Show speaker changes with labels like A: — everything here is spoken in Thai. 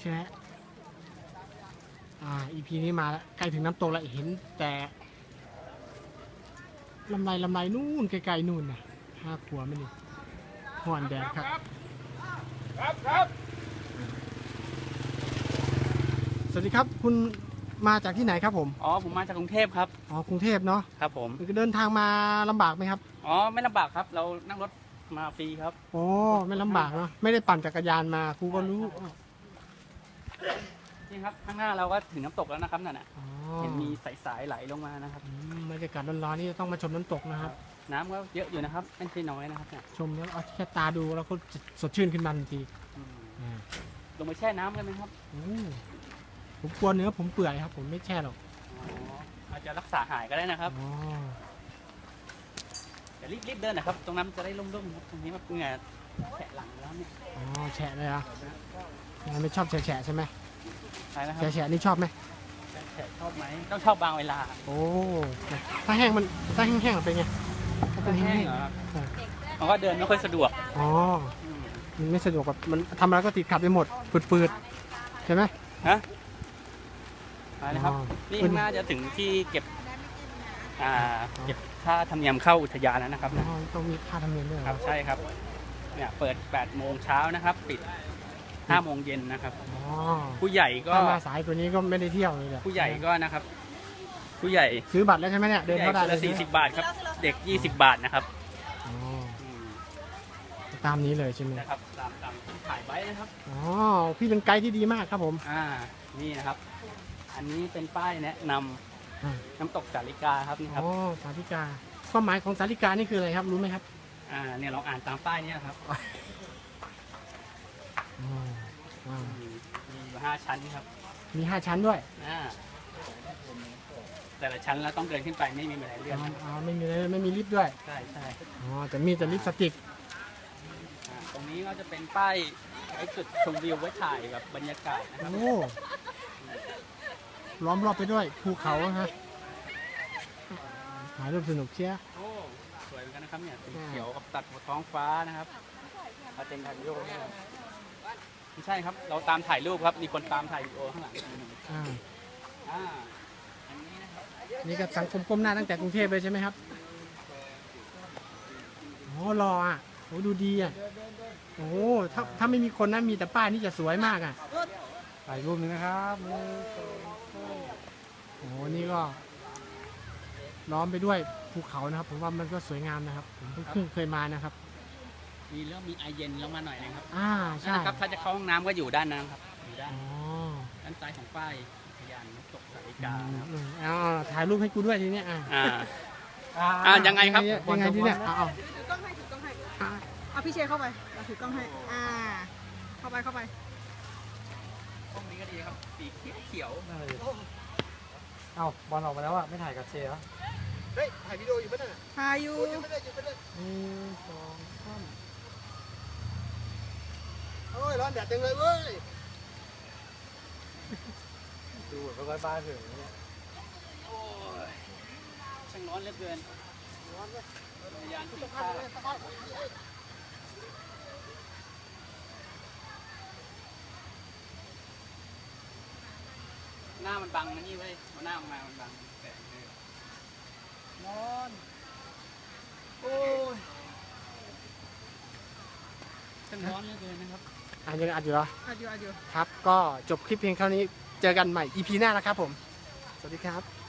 A: ช่ไหมEP นี้มาแล้วใกล้ถึงน้ำตกแล้วเห็นแต่ลำไรนู่นไกลๆนู่นนะ5 ขวบไม่นี่ห่อนแดดครับสวัสดีครับคุณมาจากที่ไหนครับผม
B: ผมมาจากกรุงเทพครับ
A: กรุงเทพเนาะ
B: ครับผม
A: เดินทางมาลำบากไหมครับ
B: ไม่ลำบากครับเรานั่งรถมาฟรีครับ
A: ไม่ลำบากเนาะไม่ได้ปั่นจักรยานมาครูก็รู้
B: นี่ครับข้างหน้าเราก็ถึงน้ำตกแล้วนะครับนั่นน่ะเห็นมีสายไหลลงมานะครับ
A: บรรยากาศร้อนๆนี่ต้องมาชมน้ำตกนะครับ
B: น้ำก็เยอะอยู่นะครับไม่ใช่น้อยนะครับเนี่ย
A: ชมแล้วเอาแค่ตาดูแล้วก็สดชื่นขึ้นมาทันที
B: ลงไปแช่น้ำกันไหมครับ
A: ผมกลัวเนื้อผมเปื่อยครับผมไม่แช่หรอก
B: อาจจะรักษาหายก็ได้นะครับแต่รีบเดินนะครับตรงนั้นจะได้ร่มๆครับตรงนี้มันเหงื่อแฉะหลังแล้วเนี่ย
A: แฉะเลยอ่ะไม่ชอบแฉะใช่ไหม
B: ใช่นะครับ
A: แฉะนี่ชอบไหม
B: แฉะชอบไหมต้องชอบบางเวลา
A: ถ้าแห้งมันแห้งเป็นไง
B: ถ้าแห้งเหรอมันก็เดินไม่ค่อยสะดวก
A: มันไม่สะดวกแบบมันทำอะไรก็ติดขัดไปหมดฝืดใช่ไหม
B: ไปนะครับนี่ข้างหน้าจะถึงที่เก็บค่าธรรมเนียมเข้าอุทยานแล้วนะครับ
A: ต้องมีค่าธรรมเนียมด้วย
B: ครับใช่ครับเนี่ยเปิด8 โมงเช้านะครับปิด5 โมงเย็นนะครับผู้ใหญ่ก็
A: มาสายตัวนี้ก็ไม่ได้เที่ยวเลย
B: ผู้ใหญ่ก็นะครับผู้ใหญ่
A: ซื้อบัตรแล้วใช่ไหมเนี่ยเดินเข้าได้
B: เลย40 บาทครับเด็ก20 บาทนะครับ
A: ตามนี้เลยใช่ไหม
B: นะครับตามที่ถ่ายไว้นะครับ
A: พี่เป็นไกด์ที่ดีมากครับผม
B: นี่นะครับอันนี้เป็นป้ายแนะนำน้ำตกสาลิกาครับนี่ครับ
A: สาลิกาความหมายของสาลิกานี่คืออะไรครับรู้ไหมครับ
B: เนี่ยลองอ่านตามป้ายนี้ครับมี5 ชั้นครับ
A: มี5 ชั้นด้วย
B: แต่ละชั้นแล้วต้องเดินขึ้นไปไม่มีบันไดเลื่อน
A: ไม่มีลิฟต์ด้วย
B: ใช่
A: แต่มีลิฟต์สติ๊ก
B: ตรงนี้ก็จะเป็นป้ายไอ้จุดชมวิวไว้ถ่ายแบบบรรยากาศนะครับ
A: ล้อมรอบไปด้วยภูเขาฮะถ่ายรูปสนุกเชีย
B: สวยเหมือนกันนะครับเนี่ยสีเขียวกับตัดท้องฟ้านะครับมาเต็มถ่ายวิดีโอไม่ใช่ครับเราตามถ่ายรูปครับมีคนตามถ่ายวิดีโอข้างหลัง
A: นี่กับสังคมก้มหน้าตั้งแต่กรุงเทพเลยใช่ไหมครับรอดูดีถ้าไม่มีคนนะมีแต่ป้ายนี่จะสวยมากถ่ายรูปนึงนะครับนี่ก็ล้อมไปด้วยภูเขานะครับผมว่ามันก็สวยงามนะครับผมเพิ่งเคยมานะครับ
B: มีไอเย็นลงมาหน่อยนะครับ
A: ใช่
B: ครับถ้าจะเข้าห้องน้ำก็อยู่ด้านนั้นครับอยู่ด้านซ้ายของป้ายอุทยานน้ำตกสาลิกา
A: ถ่ายรูปให้กูด้วยทีนี้
B: ยังไงครับ
A: ยังไงทีเนี้ย
C: ถือกล้องให้เอาพี่เชเข้าไปถือกล้องให้เข้าไป
B: ห้องนี้ก็ดีครับสีเขียว
A: บอลออกมาแล้วไม่ถ่ายกับเชเหรอถ่ายวิดีโออยู่ปะเนี่ย
C: ถ่ายอยู่
A: 1 2 3ร้อนแดดจังเลยเว้ยดูแบบใกล้บ้านถึงเนี่ย
B: ช่างร้อนเหลือเกินยานที่ข้าหน้ามันบังนะนี่เว้ยหน้ามันบังแสงเลยร้อนช่างร้อนเหลือเกินนะครับ
A: ยังอัดอยู่เหรอ
C: อัดอยู่
A: ครับก็จบคลิปเพียงเท่านี้เจอกันใหม่ EP หน้านะครับผมสวัสดีครับ